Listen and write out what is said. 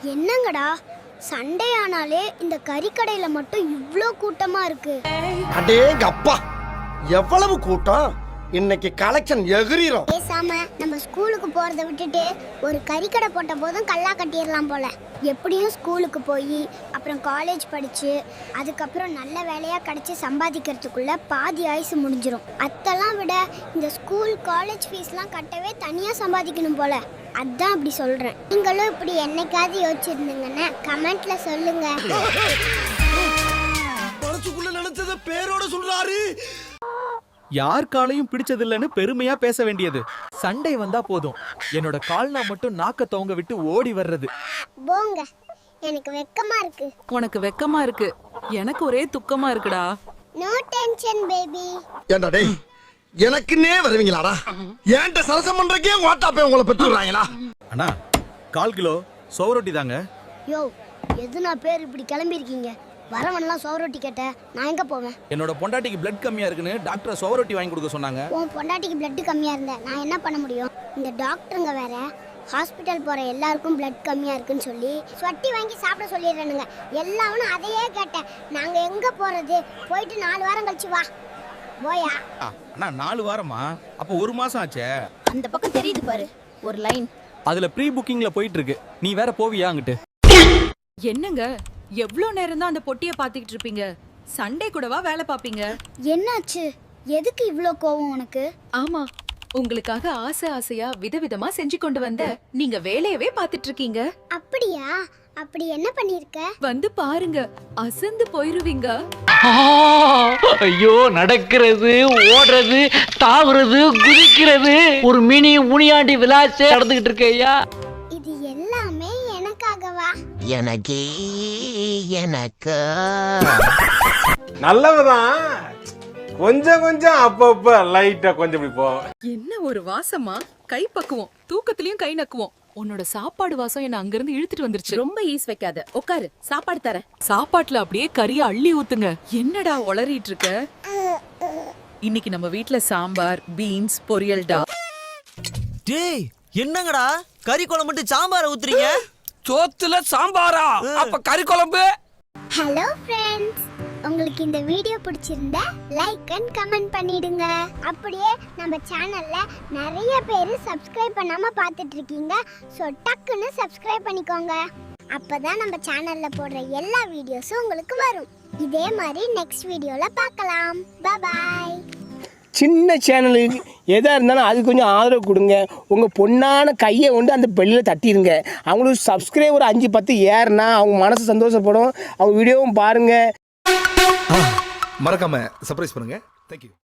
என்னங்கடா சண்டே ஆனாலே இந்த கறிக்கடையில மட்டும் இவ்ளோ கூட்டமா இருக்கு. அடேங்கப்பா எவ்வளவு கூட்டம்! இன்னைக்கு கலெக்ஷன் எகிரிரும். பேசாம நம்ம ஸ்கூலுக்கு போறதை விட்டுட்டு ஒரு கறிக்கடை போட்ட போதும் கல்லா கட்டிடலாம் போல. எப்படியும் ஸ்கூலுக்கு போய் அப்புறம் காலேஜ் படிச்சு அதுக்கப்புறம் நல்ல வேலையா கிடைச்சி சம்பாதிக்கிறதுக்குள்ள பாதி ஆயுசு முடிஞ்சிரும். அதெல்லாம் விட இந்த ஸ்கூல் காலேஜ் ஃபீஸ்லாம் கட்டவே தனியா சம்பாதிக்கணும் போல. அதான் அப்படி சொல்றேன். நீங்களும் இப்படி என்னைக்காவது யோசிச்சிருந்தீங்கன்னா கமெண்ட்ல சொல்லுங்க. மனசுக்குள்ள நினைச்சத பேரோட சொல்றாரு. யார் காலையும் பிடிச்சதில்லைன்னு பெருமையா பேச வேண்டியது. சண்டை வந்தா போதும் என்னோட கால்னா மட்டும் நாக்க தவங்க விட்டு ஓடி வர்றது. போங்க, எனக்கு வெக்கமா இருக்கு. உனக்கு வெக்கமா இருக்கு, எனக்கு ஒரே துக்கமா இருக்குடா. No tension baby. ஏண்டா டேய், எனக்குன்னே வருவீங்களாடா? ஏன்ட்ட சரசம் பண்றக்கே வாட்டாப்பே உங்களை பெற்றுறாங்களா? அண்ணா 1/4 கிலோ சோவரொட்டி தாங்க. யோ, எதுனா பேர் இப்படி கிளம்பி இருக்கீங்க? வரவன்லாம் சோவரொட்டி கேட்ட நான் எங்க போவேன்? என்னோட பொண்டாட்டிக்கு பிளட் கம்மியா இருக்குன்னு டாக்டர் சோவரொட்டி வாங்கி கொடுக்க சொன்னாங்க. உன் பொண்டாட்டிக்கு பிளட் கம்மியா இருந்த நான் என்ன பண்ண முடியும்? இந்த டாக்டருங்க வேற ஹாஸ்பிட்டல் போற எல்லாருக்கும் பிளட் கம்மியா இருக்குன்னு சொல்லி சொட்டி வாங்கி சாப்பிட சொல்லிடுறானுங்க. எல்லாரும் அதையே கேட்டேன். நாங்க எங்க போறது? போயிட்டு 4 வாரம் கழிச்சு வா. போயா? அண்ணா 4 வாரமா? அப்போ 1 மாசம் ஆச்சே. அந்த பக்கம் தெரியுது பாரு ஒரு லைன். அதுல ப்ரீ புக்கிங்ல போயிட்டு இருக்கு. நீ வேற போவியா அங்கிட்டு? என்னங்க எவ்ளோ நேரம் தான் அந்த பொட்டிய பாத்துக்கிட்டு இருப்பீங்க? சண்டே கூடவா வேலை பாப்பீங்க? என்னாச்சு? எதுக்கு இவ்ளோ கோவம் உனக்கு? ஆமா, உங்களுக்காக ஆசை ஆசையா விதவிதமா செஞ்சு கொண்டு வந்த நீங்க வேலையவே பாத்துட்டு இருக்கீங்க. அப்படியா? அப்படி என்ன பண்ணிருக்க? வந்து பாருங்க, அசந்து போயிருவீங்க. ஐயோ, நடக்கிறது, ஓடுறது, தாவுறது, குதிக்கிறது, ஒரு மினி முனியாண்டி விளாசே நடந்துகிட்டு இருக்கு ஐயா. இது எல்லாமே எனக்காகவா? எனக்கு நல்லவதான். கொஞ்சம் கொஞ்சம் அப்பப்ப லைட்டா கொஞ்சம் இப்படி போ. என்ன ஒரு வாசமா! கை பக்குவோம், தூக்கத்திலயும் கை நக்குவோம். உன்னோட சாப்பாடு வாசம் என்ன அங்கிருந்து இழுத்துட்டு வந்துருச்சு. ரொம்ப ஈஸ் வைக்காத, உட்காரு, சாப்பாடு தரேன். சாப்பாட்டுல அப்படியே கறிய அள்ளி ஊத்துங்க. என்னடா உளறிட்டு இருக்க? இன்னைக்கு நம்ம வீட்ல சாம்பார், பீன்ஸ், பொரியல்டா. டேய், என்னங்கடா கறி குழம்பு மட்டும் சாம்பார ஊத்துறீங்க? சோத்துல சாம்பாரா? அப்ப கறி குழம்பு? ஹலோ ஃப்ரெண்ட்ஸ், உங்களுக்கு இந்த வீடியோ பிடிச்சிருந்தா லைக் அண்ட் கமெண்ட் பண்ணிடுங்க. அப்படியே நம்ம சேனல்ல நிறைய பேர் சப்ஸ்கிரைப் பண்ணாம பார்த்துட்டு இருக்கீங்க. ஸோ டக்குன்னு சப்ஸ்கிரைப் பண்ணிக்கோங்க. அப்பதான் நம்ம சேனல்ல போடுற எல்லா வீடியோஸும் உங்களுக்கு வரும். இதே மாதிரி நெக்ஸ்ட் வீடியோல பார்க்கலாம். பாய். சின்ன சேனலுக்கு எதாக இருந்தாலும் அது கொஞ்சம் ஆதரவு கொடுங்க. உங்கள் பொண்ணான கையை கொண்டு அந்த பெல்லில் தட்டிடுங்க. அவங்களுக்கு சப்ஸ்கிரைபர் 5-10 ஏறுனா அவங்க மனசு சந்தோஷப்படும். அவங்க வீடியோவும் பாருங்கள். மறக்காம சர்ப்ரைஸ் பண்ணுங்க. தேங்க்யூ.